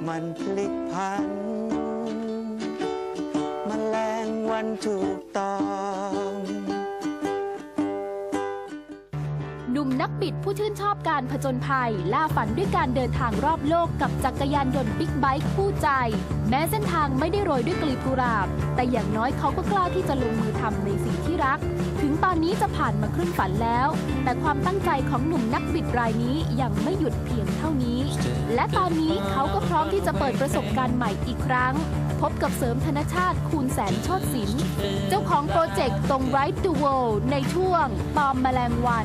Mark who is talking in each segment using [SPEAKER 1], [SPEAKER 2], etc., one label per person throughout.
[SPEAKER 1] มันพลิกพันแมลงวันถูกต้อง
[SPEAKER 2] หนุ่มนักบิดผู้ชื่นชอบการผจญภัยล่าฝันด้วยการเดินทางรอบโลกกับจักรยานยนต์บิ๊กไบค์คู่ใจแม้เส้นทางไม่ได้โรยด้วยกลีบกุหลาบแต่อย่างน้อยเขาก็กล้าที่จะลงมือทำในสิ่งที่รักถึงตอนนี้จะผ่านมาครึ่งฝันแล้วแต่ความตั้งใจของหนุ่มนักบิดรายนี้ยังไม่หยุดเพียงเท่านี้และตอนนี้เขาก็พร้อมที่จะเปิดประสบการณ์ใหม่อีกครั้งพบกับเสริมธนชาติคูณแสนโชติศิลป์เจ้าของโปรเจกต์ตรง Ride the World ในช่วงตอมแมลงวัน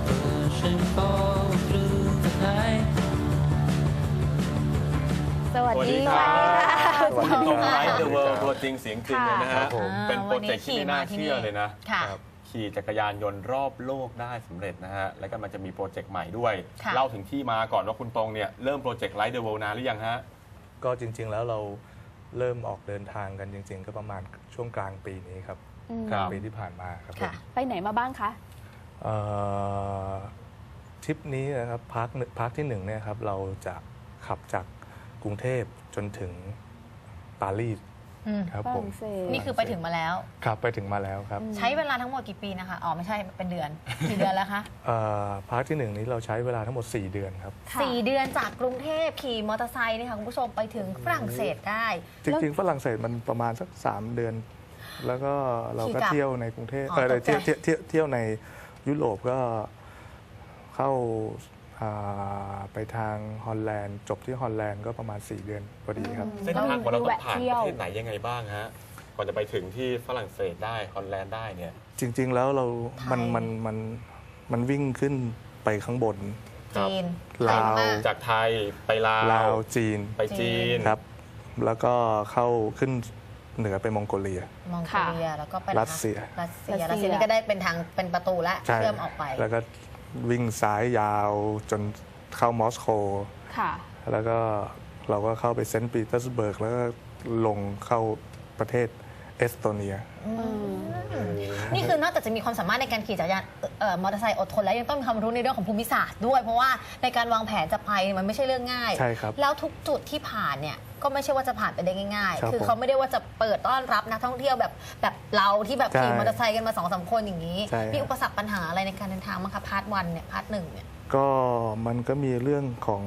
[SPEAKER 3] สวัสดีค่ะ
[SPEAKER 4] วันนี้ตรงไลฟ์เดอะเวิลด์ตัวจริงเสียงจริงเลยนะฮะเป็นโปรเจกต์ที่ไม่น่าเชื่อเลยนะขี่จักรยานยนต์รอบโลกได้สำเร็จนะฮะแล้วก็มันจะมีโปรเจกต์ใหม่ด้วยเล่าถึงที่มาก่อนว่าคุณตรงเนี่ยเริ่มโปรเจกต์ไลฟ์เดอะเวิลด์นานหรือยังฮะ
[SPEAKER 5] ก็จริงๆแล้วเราเริ่มออกเดินทางกันจริงๆก็ประมาณช่วงกลางปีนี้ครับกลางปีที่ผ่านมาครับ
[SPEAKER 2] ไปไหนมาบ้างคะ
[SPEAKER 5] ทริปนี้นะครับพาร์ทที่1เนี่ยครับเราจะขับจากกรุงเทพจนถึงปารีสครับผม
[SPEAKER 3] นี่คือไปถึงมาแล้ว
[SPEAKER 5] ครับไปถึงมาแล้วครับ
[SPEAKER 3] ใช้เวลาทั้งหมดกี่ปีนะคะอ๋อไม่ใช่เป็นเดือนกี่เดือนแล้วคะ
[SPEAKER 5] พาร์ทที่1นี้เราใช้เวลาทั้งหมด4 เดือนครับ
[SPEAKER 3] 4 เดือนจากกรุงเทพขี่มอเตอร์ไซค์นี่ค่ะคุณผู้ชมไปถึงฝรั่งเศสได้
[SPEAKER 5] จริงๆฝรั่งเศสมันประมาณสัก3 เดือนแล้วก็เราก็เที่ยวในกรุงเทพเที่ยวในยุโรปก็เข้าไปทางฮอลแลนด์จบที่ฮอลแลนด์ก็ประมาณ4 เดือนพอดีครับ
[SPEAKER 4] เส้นทางของเราต้องผ่านประเทศไหนยังไงบ้างฮะก่อนจะไปถึงที่ฝรั่งเศสได้ฮอลแลนด์ได้เนี่ย
[SPEAKER 5] จริงๆแล้วมันวิ่งขึ้นไปข้างบน
[SPEAKER 3] จีน
[SPEAKER 5] ลาว
[SPEAKER 4] จากไทยไปลาว
[SPEAKER 5] จีน
[SPEAKER 4] ไปจีน
[SPEAKER 5] ครับแล้วก็เข้าขึ้นเหนือไปมองโกเลีย
[SPEAKER 3] แล้วก็ไป
[SPEAKER 5] รัสเซีย
[SPEAKER 3] นี่ก็ได้เป็นทางเป็นประตูและเชื่อมออกไป
[SPEAKER 5] แล้วก็วิ่งซ้ายยาวจนเข้ามอสโกแล้วก็เราก็เข้าไปเซนต์ปีเตอร์สเบิร์กแล้วก็ลงเข้าประเทศเอสโตเนีย
[SPEAKER 3] นี่คือนอกจากจะมีความสามารถในการขี่จักรยานมอเตอร์ไซค์อดทนแล้วยังต้องมีความรู้ในเรื่องของภูมิศาสตร์ด้วยเพราะว่าในการวางแผนจะไปมันไม่ใช่เรื่องง่าย
[SPEAKER 5] ใช่ครับ
[SPEAKER 3] แล้วทุกจุดที่ผ่านเนี่ยก็ไม่ใช่ว่าจะผ่านไปได้ง่ายๆคือเขาไม่ได้ว่าจะเปิดต้อนรับนักท่องเที่ยวแบบเราที่แบบขี่มอเตอร์ไซค์กันมา2-3 คนอย่างนี้มีอุปสรรคปัญหาอะไรในการเดินทางมั้งคะพาร์ท1เนี่ยพาร์ท1เนี่ย
[SPEAKER 5] ก็มันก็มีเรื่องของ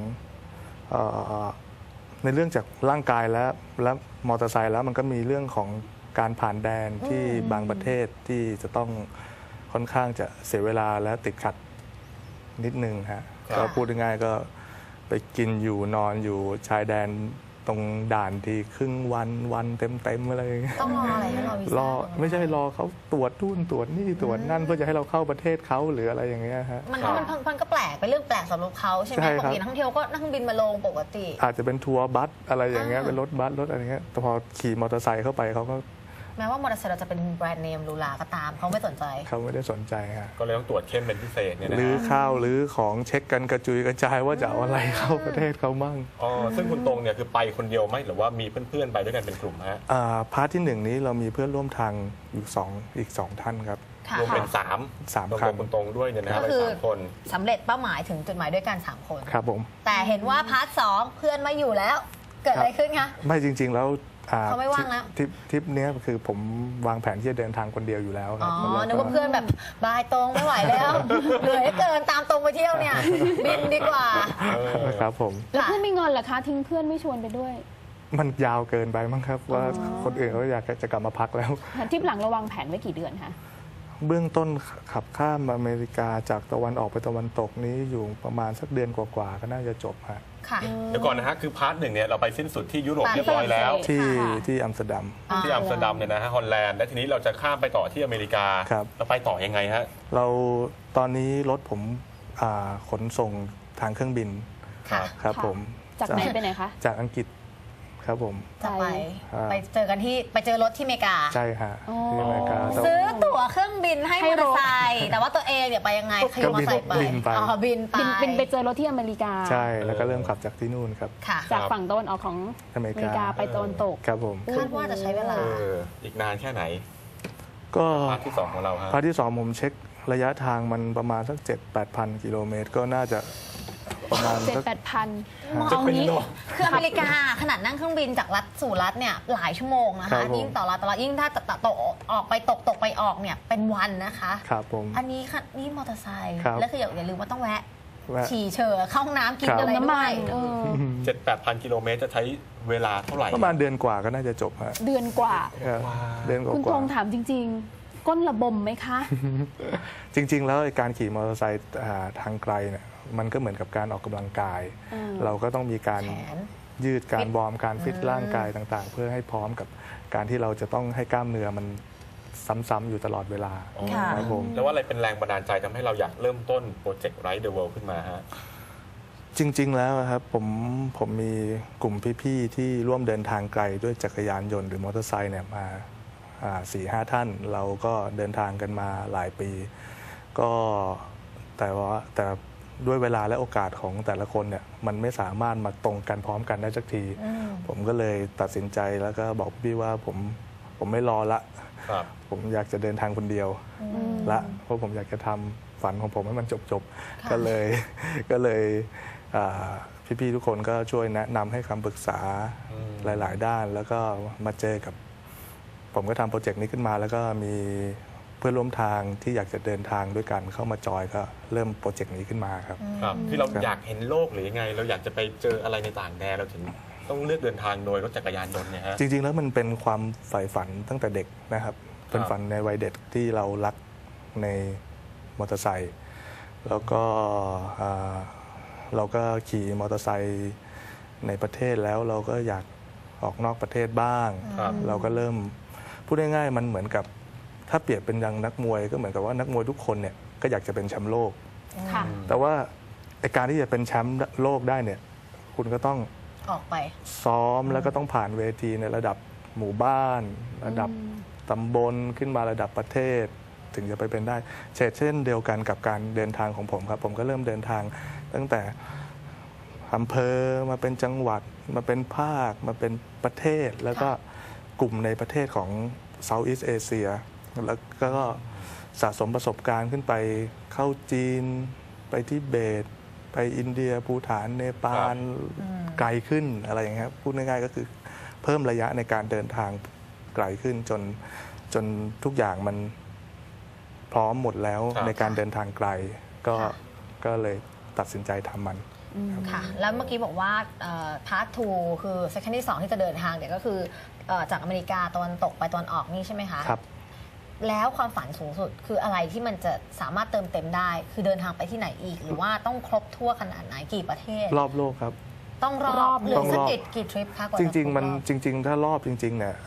[SPEAKER 5] ในเรื่องจากร่างกายและมอเตอร์ไซค์แล้วมันก็มีเรื่องของการผ่านแดนที่บางประเทศที่จะต้องค่อนข้างจะเสียเวลาและติดขัดนิดนึงฮะก็พูดง่ายๆก็ไปกินอยู่นอนอยู่ชายแดนตรงด่านที่ครึ่งวันเต็มอะไร
[SPEAKER 3] ต้องรออะไรให้
[SPEAKER 5] รอไม่ใช่รอเขาตรวจนู่นตรวจนี่ตรวจนั่นเพื่อจะให้เราเข้าประเทศเขาหรืออะไรอย่างเงี้ยฮะ
[SPEAKER 3] มันก็แปลกเป็นเรื่องแปลกสำหรับเขาใช่ไหมปกตินักท่องเที่ยวก็นั่งบินมาลงปกติ
[SPEAKER 5] อาจจะเป็นทัวร์บัสอะไรอย่างเงี้ยเป็นรถบัสรถอะไรเงี้ยแต่พอขี่มอเตอร์ไซค์เข้าไปเขาก็
[SPEAKER 3] แม้ว่ามอเตอร์ไซค์เราจะเป็นแบรนด์เนมหรูหราก็ตามเขาไม่สนใจ
[SPEAKER 5] เขาไม่ได้สนใจฮะ
[SPEAKER 4] ก็เลยต้องตรวจเข้มเป็นพิเศษเนี่ยนะ
[SPEAKER 5] หรือข้าวหรือของเช็คกันกระจุยกระจายว่าจะเอาอะไรเข้าประเทศเขามั่ง
[SPEAKER 4] ซึ่งคุณตรงเนี่ยคือไปคนเดียวไหมหรือว่ามีเพื่อนๆไปด้วยกันเป็นกลุ่มฮะ
[SPEAKER 5] พาร์ทที่1นี้เรามีเพื่อนร่วมทางอยู่อีก2 ท่านครับ
[SPEAKER 4] รวมเป็น3คันคุณตรงด้วยเนี่ยนะไป3 คน
[SPEAKER 3] สำเร็จเป้าหมายถึงจุดหมายด้วยกัน3 คน
[SPEAKER 5] ครับผม
[SPEAKER 3] แต่เห็นว่าพาร์ท2เพื่อนไม่อยู่แล้วเกิดอะไรขึ้นคะ
[SPEAKER 5] ไม่จริงๆแล้ว
[SPEAKER 3] เขาไม่ว่างแล้ว
[SPEAKER 5] ทริปนี้คือผมวางแผนที่จะเดินทางคนเดียวอยู่แล้วครับ
[SPEAKER 3] นึกว่าเพื่อนแบบบายตรงไม่ไหวแล้วเหนื่อยเกินตามตรงไปเที่ยวเนี่ยบินดีกว่า
[SPEAKER 5] ครับผม
[SPEAKER 2] แล้วเพื่อนไม่งอนเหรอคะทิ้งเพื่อนไม่ชวนไปด้วย
[SPEAKER 5] มันยาวเกินไปมั้งครับว่าคนอื่นเขาอยากจะกลับมาพักแล้ว
[SPEAKER 2] ทริปหลังเราวางแผนไว้กี่เดือนคะ
[SPEAKER 5] เบื้องต้นขับข้ามอเมริกาจากตะวันออกไปตะวันตกนี้อยู่ประมาณสักเดือนกว่าๆก็น่าจะจบฮะ
[SPEAKER 4] เดี๋ยวก่อนนะฮะคือพาร์ท1เนี่ยเราไปสิ้นสุดที่ยุโรปเรียบร้อยแล้ว
[SPEAKER 5] ที่อัมสเตอร์ดัม
[SPEAKER 4] เนี่ยนะฮะฮอลแลนด์และทีนี้เราจะข้ามไปต่อที่อเมริกาเราไปต่อยังไงฮะ
[SPEAKER 5] เราตอนนี้รถผมขนส่งทางเครื่องบินครับผม
[SPEAKER 2] จากไหนไปไหนคะ
[SPEAKER 5] จากอังกฤษครับผม
[SPEAKER 3] จะไปเจอกันที่ไปเจอรถที่อเมริกา
[SPEAKER 5] ใช่ฮะที่อเมริกา
[SPEAKER 3] ซื้อตั๋วเครื่องบินให้มอเตอร์ไซค์แต่ว่าตัวเองเนี่ยไปยังไงขี่มอเตอร์ไซค์ไป
[SPEAKER 5] บิน
[SPEAKER 2] ไปเจอรถที่อเมริกา
[SPEAKER 5] ใช่แล้วก็เริ่มขับจากที่นู่นครับ
[SPEAKER 2] จากฝั่งตะวันออกของอเมริกาไปตะวันตก
[SPEAKER 5] ครับผม
[SPEAKER 3] คาดว่าจะใช้เวลา
[SPEAKER 4] อีกนานแค่ไหน
[SPEAKER 5] ก็
[SPEAKER 4] พาร์ทที่2ของเราฮะ
[SPEAKER 5] พาร์ทที่2ผมเช็คระยะทางมันประมาณสัก 7-8,000 กิโลเมตรก็น่าจะประมาณสัก
[SPEAKER 2] 7-8 พัน
[SPEAKER 3] เอางี้
[SPEAKER 4] จะเป็นโล
[SPEAKER 3] คืออเมริกาขนาดนั่งเครื่องบินจากรัฐสู่รัฐเนี่ยหลายชั่วโมงนะ
[SPEAKER 5] ครั
[SPEAKER 3] คะ
[SPEAKER 5] บผม
[SPEAKER 3] ยิ่งต่อรัฐยิ่งถ้าตกออกไปตกไปออกเนี่ยเป็นวันนะคะ
[SPEAKER 5] ครับผม
[SPEAKER 3] อันนี้ค่ะนี่มอเตอร์ไซค์
[SPEAKER 5] ครับ
[SPEAKER 3] แล้วคืออย่าลืมว่าต้องแวะ
[SPEAKER 5] แวะ
[SPEAKER 3] ฉี่เฉอเข้าห้องน้ำกิน
[SPEAKER 5] ครับ
[SPEAKER 3] อะไร
[SPEAKER 2] น้ำ
[SPEAKER 3] ด้
[SPEAKER 2] มั
[SPEAKER 3] วย
[SPEAKER 2] น
[SPEAKER 4] 7-8 พันกิโลเมตรจะใช้เวลาเท่าไหร่
[SPEAKER 5] ประมาณเดือนกว่าก็น่าจะจบฮะ
[SPEAKER 2] เดือนกว่า
[SPEAKER 5] เดือนก
[SPEAKER 2] คุณธ
[SPEAKER 5] ว่าง
[SPEAKER 2] ถามจริง ๆ ก้นระบมไหมคะ
[SPEAKER 5] จริง ๆ แล้วไอ้การขี่มอเตอร์ไซค์ทางไกลเนี่ยมันก็เหมือนกับการออกกำลังกาย เราก็ต้องมีการ
[SPEAKER 3] แขน
[SPEAKER 5] ยืดการวอร์มการฟิต
[SPEAKER 3] อืม
[SPEAKER 5] ร่างกายต่างๆ เพื่อให้พร้อมกับการที่เราจะต้องให้กล้ามเนื้อมันซ้ำๆอยู่ตลอดเวลา
[SPEAKER 3] ค่ะ
[SPEAKER 5] ครับผม
[SPEAKER 4] แล้วว่าอะไรเป็นแรงบันดาลใจทำให้เราอยากเริ่มต้นโปรเจกต์ Ride the World ขึ้นมาฮะ
[SPEAKER 5] จริง ๆ แล้วครับผมมีกลุ่มพี่ๆที่ร่วมเดินทางไกลด้วยจักรยานยนต์หรือมอเตอร์ไซค์เนี่ยมา4-5 ท่าน เราก็เดินทางกันมาหลายปี ก็แต่ด้วยเวลาและโอกาสของแต่ละคนเนี่ยมันไม่สามารถมาตรงกันพร้อมกันได้สักที ผมก็เลยตัดสินใจแล้วก็บอกพี่ว่าผมไม่รอละ
[SPEAKER 4] ครับ
[SPEAKER 5] ผมอยากจะเดินทางคนเดียวละเพราะผมอยากจะทำฝันของผมให้มันจบๆก็เลยพี่ๆทุกคนก็ช่วยแนะนำให้คำปรึกษาหลายๆ ด้าน แล้วก็มาเจอกับผมก็ทำโปรเจกต์นี้ขึ้นมา แล้วก็มีเพื่อนร่วมทางที่อยากจะเดินทางด้วยกันเข้ามาจอยก็เริ่มโปรเจกต์นี้ขึ้นมาครับ
[SPEAKER 4] ครับที่เรา
[SPEAKER 5] ครับ
[SPEAKER 4] อยากเห็นโลกหรือยังไง เราอยากจะไปเจออะไรในต่างแดนเราถึงต้องเลือกเดินทางโดยรถจักรยานยนต์เนี่ยฮะ
[SPEAKER 5] จริง ๆ แล้วมันเป็นความใฝ่ฝันตั้งแต่เด็กนะครับ เป็นฝันในวัยเด็กที่เรารักในมอเตอร์ไซค์แล้วก็เราก็ขี่มอเตอร์ไซค์ในประเทศแล้วเราก็อยากออกนอกประเทศบ้าง
[SPEAKER 4] ครับ
[SPEAKER 5] เราก็เริ่มพูดง่ายๆมันเหมือนกับถ้าเปรียบเป็นดังนักมวยก็เหมือนกับว่านักมวยทุกคนเนี่ยก็อยากจะเป็นแชมป์โลก
[SPEAKER 2] ค่ะ
[SPEAKER 5] แต่ว่าไอ้การที่จะเป็นแชมป์โลกได้เนี่ยคุณก็ต้อง
[SPEAKER 3] ออกไป
[SPEAKER 5] ซ้อมแล้วก็ต้องผ่านเวทีในระดับหมู่บ้าน ระดับตำบลขึ้นมาระดับประเทศ ถึงจะไปเป็นได้เช่นเดียวกันกับการเดินทางของผมครับ ผมก็เริ่มเดินทางตั้งแต่อำเภอมาเป็นจังหวัดมาเป็นภาคมาเป็นประเทศ แล้วก็กลุ่มในประเทศของ Southeast Asia แล้วก็สะสมประสบการณ์ขึ้นไปเข้าจีนไปทิเบต ไปอินเดียภูฏานเนปาลไกลขึ้นอะไรอย่างเงี้ยครับพูดง่ายๆก็คือเพิ่มระยะในการเดินทางไกลขึ้นจนทุกอย่างมันพร้อมหมดแล้ว
[SPEAKER 4] ครับ
[SPEAKER 5] ในการเดินทางไกลก็เลยตัดสินใจทำมัน
[SPEAKER 3] ค่ะ แล้วเมื่อกี้บอกว่าพาร์ท 2 คือเซสชันที่ 2 ที่จะเดินทางเนี่ยก็คือจากอเมริกาตะวันตกไปตะวันออกนี่ใช่ไหมคะ
[SPEAKER 5] ครับ
[SPEAKER 3] แล้วความฝันสูงสุดคืออะไรที่มันจะสามารถเติมเต็มได้ คือเดินทางไปที่ไหนอีก หรือว่าต้องครบทั่วขนาดไหนกี่ประเทศ
[SPEAKER 5] รอบโลกครับ
[SPEAKER 3] ต้องร
[SPEAKER 2] ร
[SPEAKER 3] อ
[SPEAKER 2] อ
[SPEAKER 3] บบ หรือ
[SPEAKER 5] ต้อง
[SPEAKER 3] สั
[SPEAKER 5] ร
[SPEAKER 3] ก
[SPEAKER 5] อบ
[SPEAKER 3] กี่ทริปคะกว่า
[SPEAKER 5] จ
[SPEAKER 3] จะ
[SPEAKER 5] ริง ๆ มัน
[SPEAKER 3] ครบ
[SPEAKER 5] จริง ๆ ถ้ารอบจริงๆเนี่ย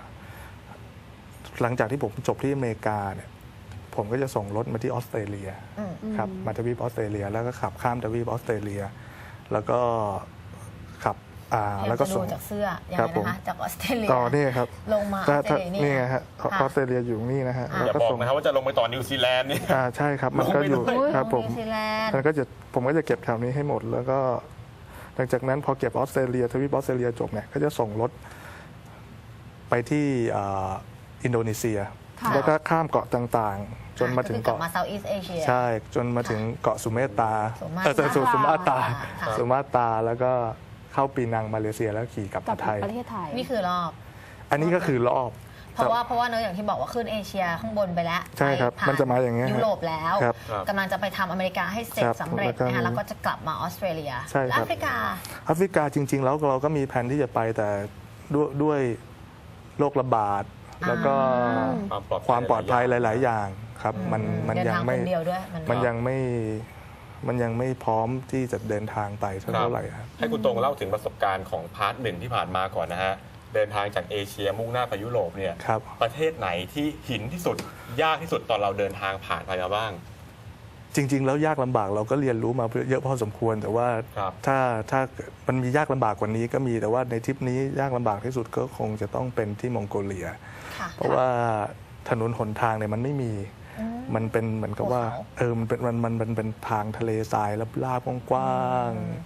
[SPEAKER 5] หลังจากที่ผมจบที่อเมริกาเนี่ยผมก็จะส่งรถมาที่ออสเตรเลียครับมาทวีปออสเตรเลีย แล้วก็ขับข้ามทวีปออสเตรเลีย แล้วก็ขับแล้วก็
[SPEAKER 3] จะดู
[SPEAKER 5] ส่ง
[SPEAKER 3] จากเสื้อยัง
[SPEAKER 5] ครั
[SPEAKER 3] ไง
[SPEAKER 5] บผม
[SPEAKER 3] นะคะจากออสเตรเลีย
[SPEAKER 5] ต่อนี่ครับ
[SPEAKER 3] ลงมาออสเตรเลีย
[SPEAKER 5] นี่ไงฮะ
[SPEAKER 3] ค่ะ
[SPEAKER 5] ออสเตรเลียอยู่นี่นะฮะ
[SPEAKER 3] อ่า
[SPEAKER 5] แล้ว
[SPEAKER 4] อย่า
[SPEAKER 5] ก็
[SPEAKER 4] บอก
[SPEAKER 5] ส่ง
[SPEAKER 4] นะครับว่าจะลงไปต่อนิวซีแลนด์นี่
[SPEAKER 5] ใช่ครับมันก็อยู่
[SPEAKER 4] ลงไปด้วย
[SPEAKER 5] ครับผม
[SPEAKER 3] นิวซีแลนด์
[SPEAKER 5] มันก็จะผมก็จะเก็บแถวนี้ให้หมด แล้วก็หลังจากนั้นพอเก็บออสเตรเลียทวีปออสเตรเลียจบเนี่ยก็จะส่งรถไปที่อินโดนีเซีย
[SPEAKER 2] ค่ะ
[SPEAKER 5] แล้วก็ข้ามเกาะต่างๆ จนมาถึง
[SPEAKER 3] กลับ
[SPEAKER 5] เกาะ
[SPEAKER 3] มา Southeast Asia
[SPEAKER 5] ใช่จนมาถึงเกาะสุเมตรา
[SPEAKER 3] สุมา
[SPEAKER 5] สุมาตรา
[SPEAKER 3] ค่ะ
[SPEAKER 5] สุมาตราแล้วก็เข้าปีนังมาเลเซียแล้วขี่กลับ
[SPEAKER 2] กลั
[SPEAKER 5] มา
[SPEAKER 2] บ
[SPEAKER 5] ไทย
[SPEAKER 2] ประเทศไทย
[SPEAKER 3] นี่คือรอบ
[SPEAKER 5] อันนี้ก็คือรอบ
[SPEAKER 3] เพราะว่าเนอะอย่างที่บอกว่าขึ้นเอเชียข้างบนไปแล้ว
[SPEAKER 5] ใช่ครับ
[SPEAKER 3] ไปผ่
[SPEAKER 5] มันจะมาอย่างเงี้ย
[SPEAKER 3] ยุโรปแล้ว
[SPEAKER 5] ครับ
[SPEAKER 3] กำลังจะไปทำอเมริกาให้เสร็จ
[SPEAKER 5] ครับ
[SPEAKER 3] สำเร็จ
[SPEAKER 5] แล้วก็
[SPEAKER 3] นะคะแล้วก็จะกลับมาออสเตรเลีย
[SPEAKER 5] ใช่ครับ
[SPEAKER 3] แล้วแอฟริกา
[SPEAKER 5] แอฟริกาจริง ๆ แล้วเราก็มีแผนที่จะไปแต่ด้วยโรคระบาด แล้วก็ความปลอดภัยหลาย ๆ อย่างครับมัน
[SPEAKER 3] เดิน
[SPEAKER 5] ยัง
[SPEAKER 3] ทาง
[SPEAKER 5] ไม่
[SPEAKER 3] คนเดียวด้วย
[SPEAKER 5] มันยังไม่พร้อมที่จะเดินทางไปเท่าไหร่ครับ
[SPEAKER 4] ให้คุณตรงเล่าถึงประสบการณ์ของพาร์ท 1ที่ผ่านมาก่อนนะฮะ เดินทางจากเอเชียมุ่งหน้าไปยุโรปเนี่ย
[SPEAKER 5] ครับ
[SPEAKER 4] ประเทศไหนที่หินที่สุดยากที่สุดตอนเราเดินทางผ่านไปมาบ้าง
[SPEAKER 5] จริง ๆ แล้วยากลำบากเราก็เรียนรู้มาเยอะพอสมควร แต่ว่า
[SPEAKER 4] ครับ
[SPEAKER 5] ถ้ามันมียากลำบากกว่านี้ก็มีแต่ว่าในทริปนี้ยากลำบากที่สุดก็คงจะต้องเป็นที่มองโกเลีย
[SPEAKER 3] ค่ะ
[SPEAKER 5] เพราะว่าถนนหนทางเนี่ยมันไม่มี มันเป็นเหมือนกับว่า
[SPEAKER 3] ภูเขา
[SPEAKER 5] มันเป็นทางทะเลทรายลาบๆกว้างๆ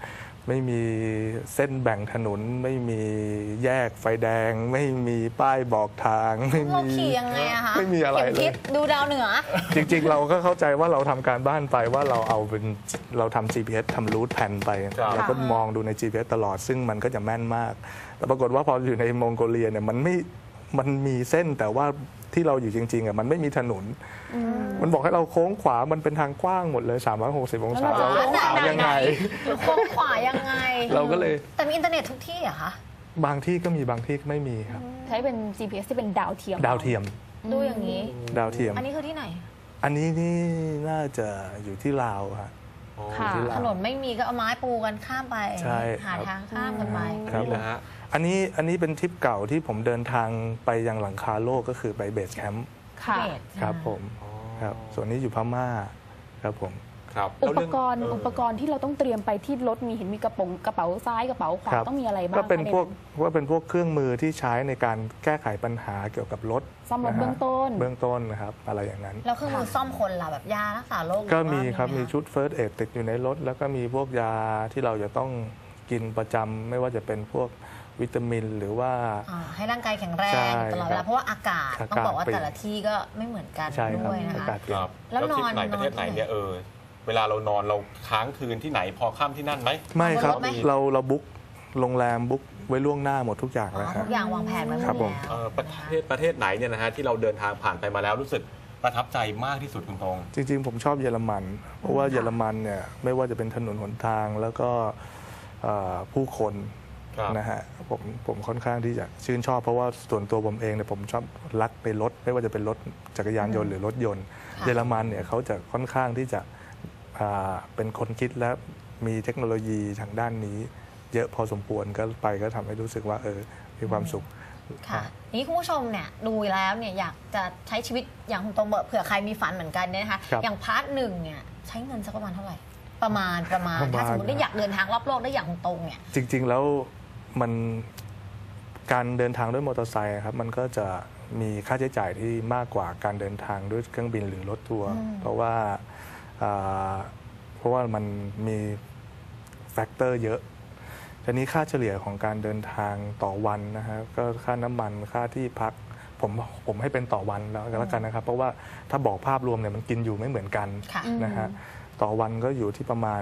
[SPEAKER 5] ไม่มีเส้นแบ่งถนนไม่มีแยกไฟแดง ไม่มีป้ายบอกทางไม่
[SPEAKER 3] เรา
[SPEAKER 5] มี
[SPEAKER 3] ขี่ยังไงอะคะ
[SPEAKER 5] ไม่มีอะไร
[SPEAKER 3] ข็
[SPEAKER 5] เล
[SPEAKER 3] ทิ
[SPEAKER 5] ย
[SPEAKER 3] ศดูดาวเหนือ
[SPEAKER 5] จริงๆ เราก็เข้าใจว่าเราทำการบ้านไปว่าเราทำ GPS ทำรูทแผนไป
[SPEAKER 4] ครับ
[SPEAKER 5] เราก็มองดูใน GPS ตลอดซึ่งมันก็จะแม่นมาก แต่ปรากฏว่าพออยู่ในมองโกเลียเนี่ยมันมีเส้นแต่ว่าที่เราอยู่จริงๆอ่ะมันไม่มีถนน มันบอกให้เราโค้งขวามันเป็นทางกว้างหมดเลย 360 องศา
[SPEAKER 3] แล้วเราจะ
[SPEAKER 5] เราโค้งขวายังไง
[SPEAKER 3] โค้งขวายังไง
[SPEAKER 5] เราก็เลย
[SPEAKER 3] แต่มีอินเทอร์เน็ตทุกที่เหรอะคะ
[SPEAKER 5] บางที่ก็มีบางที่ก็ไม่มีครับ
[SPEAKER 2] ใช้เป็น GPS ที่เป็นดาวเทียม
[SPEAKER 5] ดาวเทียม
[SPEAKER 3] ดูอย่างนี้
[SPEAKER 5] ดาวเทียม
[SPEAKER 3] อันนี้คือที่ไหน
[SPEAKER 5] อันนี้นี่น่าจะอยู่ที่ลาวฮะ
[SPEAKER 2] ค่ะ
[SPEAKER 5] ที่ลาว
[SPEAKER 3] ถนนไม่มีก็เอาไม้ปูกันข้ามไป
[SPEAKER 5] ใช่
[SPEAKER 3] หา
[SPEAKER 5] ครับ
[SPEAKER 3] ทางข้ามกันไป
[SPEAKER 5] ครับ
[SPEAKER 4] นี่แหละฮะ
[SPEAKER 5] อันนี้เป็นทริปเก่าที่ผมเดินทางไปยังหลังคาโลกก็คือไปเบสแคมป์
[SPEAKER 2] ค่ะ
[SPEAKER 5] ครับผมครับส่วนนี้อยู่พม่าครับผม
[SPEAKER 4] ครับ
[SPEAKER 2] อุ
[SPEAKER 4] แล้ว
[SPEAKER 2] ป
[SPEAKER 4] เรื่อง
[SPEAKER 2] กรณ์ที่เราต้องเตรียมไปที่รถเห็นมีกระเป๋าซ้ายกระเป๋าขวา
[SPEAKER 5] ครับ
[SPEAKER 2] ต้องมีอะไรบ้าง
[SPEAKER 5] ก็เป็น
[SPEAKER 2] คะ
[SPEAKER 5] พวกเครื่องมือที่ใช้ในการแก้ไขปัญหาเกี่ยวกับรถ
[SPEAKER 2] ซ่อมรถ
[SPEAKER 5] นะฮะ
[SPEAKER 2] เบื้องต้น
[SPEAKER 5] เบื้องต้นนะครับอะไรอย่างนั้น
[SPEAKER 3] แล้วเครื่องมือซ่อมคนล่ะแบบยารักษาโรค
[SPEAKER 5] ก็มีครับ
[SPEAKER 3] หอว่า
[SPEAKER 5] มี
[SPEAKER 3] ไห
[SPEAKER 5] ชุดเฟิร์สเอดติดอยู่ในรถ แล้วก็มีพวกยาที่เราจะต้องกินประจำไม่ว่าจะเป็นพวกวิตามินหรือว่า
[SPEAKER 3] ให้ร่างกายแข็งแรง
[SPEAKER 5] ใช่
[SPEAKER 3] ตลอดเว
[SPEAKER 5] ครั
[SPEAKER 3] ลา
[SPEAKER 5] บ
[SPEAKER 3] เพราะว่าอากาศ
[SPEAKER 5] อากาศ
[SPEAKER 3] ต้องบอกว่า
[SPEAKER 5] เปลี่ยน
[SPEAKER 3] แต่ละที่ก็ไม่เหมือนกัน
[SPEAKER 5] ใช่ครับ
[SPEAKER 3] ด้วยนะ
[SPEAKER 5] อา
[SPEAKER 3] คะ
[SPEAKER 5] กาศเปลี่
[SPEAKER 4] ค
[SPEAKER 5] ยน
[SPEAKER 4] รับ
[SPEAKER 3] แล้ว
[SPEAKER 4] ทริปไหน
[SPEAKER 3] นอน
[SPEAKER 4] ประเทศไหน
[SPEAKER 3] ที่ไหน
[SPEAKER 4] เนี่ยเวลาเรานอนเราค้างคืนที่ไหนพอค่ำที่นั่นไหม
[SPEAKER 5] ไม่ครับ
[SPEAKER 3] บนรถไหม
[SPEAKER 5] เราบุ๊กโรงแรมบุ๊กไว้ล่วงหน้าหมดทุกอย่าง
[SPEAKER 3] อ๋
[SPEAKER 5] แล้ว
[SPEAKER 3] อ
[SPEAKER 5] ครั
[SPEAKER 3] ทุ
[SPEAKER 5] บ
[SPEAKER 3] กอย่างวางแผนไว้หมด
[SPEAKER 5] ครับผม
[SPEAKER 3] แล้ว
[SPEAKER 4] ประเทศไหนเนี่ยนะฮะที่เราเดินทางผ่านไปมาแล้วรู้สึกประทับใจมากที่สุดคุณตรง
[SPEAKER 5] จริงๆ ผมชอบเยอรมัน เพราะว่าเยอรมันเนี่ยไม่ว่าจะเป็นถนนหนทางแล้วก็ผู้คน
[SPEAKER 4] ครับ
[SPEAKER 5] นะฮะผมค่อนข้างที่จะชื่นชอบเพราะว่าส่วนตัวผมเองเนี่ยผมชอบรักไปรถไม่ว่าจะเป็นรถจักรยานยนต์หรือรถยนต์
[SPEAKER 3] ค่ะ
[SPEAKER 5] เยอรมันเนี่ยเขาจะค่อนข้างที่จะเป็นคนคิดและมีเทคโนโลยีทางด้านนี้ เยอะพอสมควรก็ทำให้รู้สึกว่ามีความสุข
[SPEAKER 3] ค่ะนี่คุณผู้ชมเนี่ยดูแล้วเนี่ยอยากจะใช้ชีวิตอย่างคุณตรงเผื่อใครมีฝันเหมือนกันเนี่ยนะคะ
[SPEAKER 5] ครับ
[SPEAKER 3] อย่างพาร์ทหนึ่งเนี่ยใช้เงินสักประมาณเท่าไหร่ ประมาณถ้าสมมติได้
[SPEAKER 5] นะ
[SPEAKER 3] อยากเดินทางรอบโลกได้อย่างคุณตรงเนี่ย
[SPEAKER 5] จริงๆแล้วมันการเดินทางด้วยมอเตอร์ไซค์ครับมันก็จะมีค่าใช้จ่ายที่มากกว่าการเดินทางด้วยเครื่องบินหรือรถทัวร์เพราะว่ามันมีแฟกเตอร์เยอะทีนี้ค่าเฉลี่ยของการเดินทางต่อวันนะฮะก็ค่าน้ำมันค่าที่พักผมให้เป็นต่อวันแล้วกันนะครับ เพราะว่าถ้าบอกภาพรวมเนี่ยมันกินอยู่ไม่เหมือนกัน
[SPEAKER 3] ค่ะ
[SPEAKER 5] นะฮะต่อวันก็อยู่ที่ประมาณ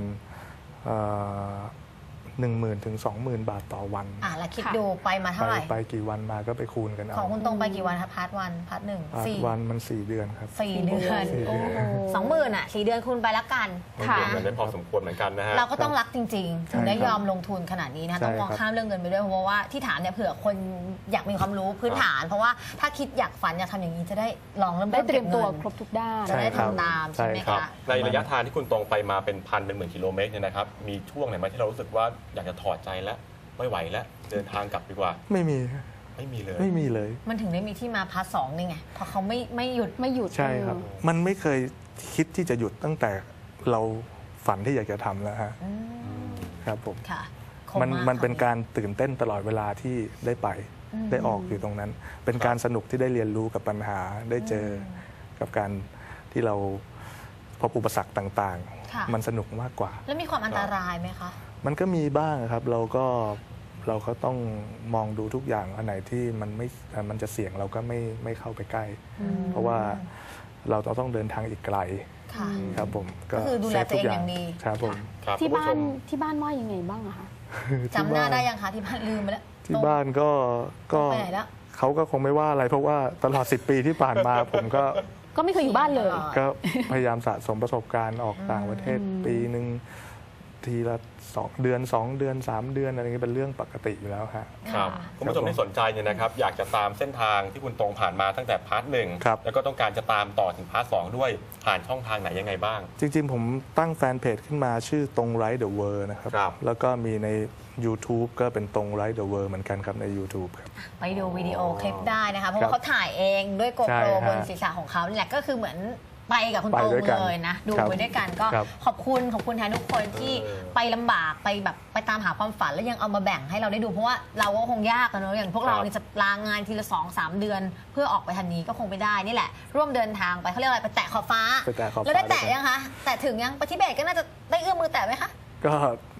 [SPEAKER 5] 10,000 ถึง 20,000 บาทต่อวัน
[SPEAKER 3] แล้วคิดดูไปมาเท่าไหร่
[SPEAKER 5] ไปกี่วันมาก็ไปคูณกัน
[SPEAKER 3] ขอ
[SPEAKER 5] เอา
[SPEAKER 3] งคุณตรงไปกี่วันคะพาร์ทวันพาร์ทหนึ่ง
[SPEAKER 5] พาร์ท
[SPEAKER 3] สี่
[SPEAKER 5] วันมัน 4 เดือนครับ
[SPEAKER 3] 4 เดือน
[SPEAKER 5] 4 เดือน
[SPEAKER 3] 20,000 4 เดือนคูณไปละกัน
[SPEAKER 4] เก็บเงินได้พอสมควรเหมือนกันนะฮะ
[SPEAKER 3] เราก็ต้องรักจริงๆ ถึงได้
[SPEAKER 5] ใช่ครับ
[SPEAKER 3] ยอมลงทุนขนาดนี้นะ
[SPEAKER 5] ใช่
[SPEAKER 3] ต้องมอง
[SPEAKER 5] ครับ
[SPEAKER 3] ข้ามเรื่องเงินไปด้วยเพราะว่าที่ถามเนี่ยเผื่อคนอยากมีความรู้พื้นฐาน เพราะว่าถ้าคิดอยากฝันอยากทำอย่างนี้จะได้ลองเริ่ม
[SPEAKER 2] ได้เตรียมตัว
[SPEAKER 3] ก็บงิน
[SPEAKER 2] ครบทุกด้าน
[SPEAKER 3] จะได้
[SPEAKER 5] ใช่ครับ
[SPEAKER 3] ทำตามใช่ไหม
[SPEAKER 5] ใช่ครับ
[SPEAKER 3] คะ
[SPEAKER 4] ในระยะทางที่คุณตรงไปมาเป็นหมื่นกิโลเมตรเนี่ยนะครับมีช่วงไหนไหมที่เรารู้สึกว่าอยากจะถอดใจแล้วไม่ไหวแล้วเดินทางกลับดีกว่า
[SPEAKER 5] ไม่มี
[SPEAKER 4] ไม่มีเลย
[SPEAKER 5] ไม่มีเลย
[SPEAKER 3] มันถึงได้มีที่มาพาร์ทสองนี่ไงเพราะเขาไม่หยุด
[SPEAKER 2] ไม่หยุด
[SPEAKER 5] ใช่ครับ มันไม่เคยคิดที่จะหยุดตั้งแต่เราฝันที่อยากจะทำแล้วฮะครับผม
[SPEAKER 3] ค่ะ
[SPEAKER 5] มันเป็นการตื่นเต้นตลอดเวลาที่ได้ไปได้ออกอยู่ตรงนั้น เป็นการสนุกที่ได้เรียนรู้กับปัญหาได้เจอกับการที่เราพบอุปสรรคต่าง
[SPEAKER 3] ค่ะ
[SPEAKER 5] ๆ มันสนุกมากกว่า
[SPEAKER 3] แล้วมีความอันตรายไหมคะ
[SPEAKER 5] มันก็มีบ้างครับเราก็ต้องมองดูทุกอย่างอันไหนที่มันจะเสี่ยงเราก็ไม่เข้าไปใกล้ เพราะว่าเราต้องเดินทางอีกไกล
[SPEAKER 3] ค่ะ
[SPEAKER 5] ครับผม
[SPEAKER 3] ก็คือดูแลตัวเองอย่างดี
[SPEAKER 5] ครับผม
[SPEAKER 4] ครับ
[SPEAKER 2] ที่
[SPEAKER 4] คุณ
[SPEAKER 2] บ้า
[SPEAKER 4] ผู้ช
[SPEAKER 2] น
[SPEAKER 4] ม
[SPEAKER 2] ที่บ้านว่ายังไงบ้างอะคะ
[SPEAKER 3] จำหน้าได้ยังคะที่บ้านลืมไปแล้ว
[SPEAKER 5] ที่บ้านก็
[SPEAKER 3] ไปไหนแล้ว
[SPEAKER 5] เขาก็คงไม่ว่าอะไร เพราะว่าตลอด 10 ปีที่ผ่านมา ผม
[SPEAKER 2] ก็ไม่เคยอยู่บ้านเลย
[SPEAKER 5] ก็พยายามสะสมประสบการณ์ออกต่างประเทศปีหนึ่งทีละ2 เดือน 2 เดือน 3 เดือนอะไรเงี้ยเป็นเรื่องปกติอยู่แล้วฮะ
[SPEAKER 4] ครับคุณผู้ชมที่สนใจเนี่ยนะครับอยากจะตามเส้นทางที่คุณตรงผ่านมาตั้งแต่พาร์ทหนึ่ง
[SPEAKER 5] ครับ
[SPEAKER 4] แล้วก็ต้องการจะตามต่อถึงพาร์ทสองด้วยผ่านช่องทางไหนยังไงบ้าง
[SPEAKER 5] จริงๆ ผมตั้งแฟนเพจขึ้นมาชื่อตรงไรเดอะเวิร์นะครับ
[SPEAKER 4] ครับ
[SPEAKER 5] แล้วก็มีใน YouTube ก็เป็นตรงไรเดอะเวิร์เหมือนกันครับใน YouTube ครับ
[SPEAKER 3] ไปดูวิดีโอคลิปได้นะคะเพราะว่าเขาถ่ายเองด้วยโก
[SPEAKER 5] ใช่
[SPEAKER 3] โปร
[SPEAKER 5] ฮะ
[SPEAKER 3] บนศีรษะของเขานี่แหละก็คือเหมือนไปกับคุณ
[SPEAKER 5] ไป
[SPEAKER 3] โต
[SPEAKER 5] ด้วยกัน
[SPEAKER 3] เลยนะดู
[SPEAKER 5] ครับ
[SPEAKER 3] ไปด้วยกันก็
[SPEAKER 5] ครับ
[SPEAKER 3] ขอบคุณแทนทุกคนที่ไปลำบากไปแบบไปตามหาความฝันแล้วยังเอามาแบ่งให้เราได้ดูเพราะว่าเราก็คงยากอะเนอะอย่างพวกเรา
[SPEAKER 4] ครับ
[SPEAKER 3] นี่จะลางานทีละ2-3 เดือน เพื่อออกไปทันนี้ก็คงไม่ได้นี่แหละ ร่วมเดินทางไปเขาเรียกอะไรไปแตะขอบฟ้า
[SPEAKER 5] ไปแตะขอบฟ้า
[SPEAKER 3] แล้วได้แตะ
[SPEAKER 5] ด้วยกัน
[SPEAKER 3] ยังคะแตะถึงยังไปทิเบตก็น่าจะได้เอื้อมมือแตะไหมคะ
[SPEAKER 5] ก็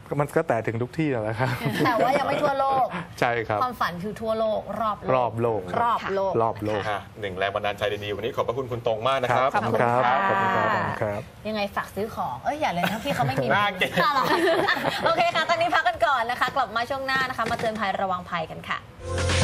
[SPEAKER 5] มันก็แต่ถึงทุกที่นั่นแหละครับ
[SPEAKER 3] แต่ว่ายังไม่ทั่วโลก
[SPEAKER 5] ใช่ครับ
[SPEAKER 3] ความฝันคือทั่วโลกรอบโลก
[SPEAKER 5] รอบโลก
[SPEAKER 3] รอบโลก
[SPEAKER 5] รอบโลก
[SPEAKER 4] หนึ่งแรงบันดาลใจดีๆวันนี้ขอบพระคุณคุณตรงมากนะครับ
[SPEAKER 5] ขอบคุณครับขอบคุณครับขอบคุณครับ
[SPEAKER 3] ยังไงฝากซื้อของอย่าเลยนะพี่เขาไม่มี
[SPEAKER 4] น่าเกลียด
[SPEAKER 3] โอเคค่ะ ตอนนี้พักกันก่อนนะคะ กลับมาช่วงหน้านะคะ มาเตือนภัยระวังภัยกันค่ะ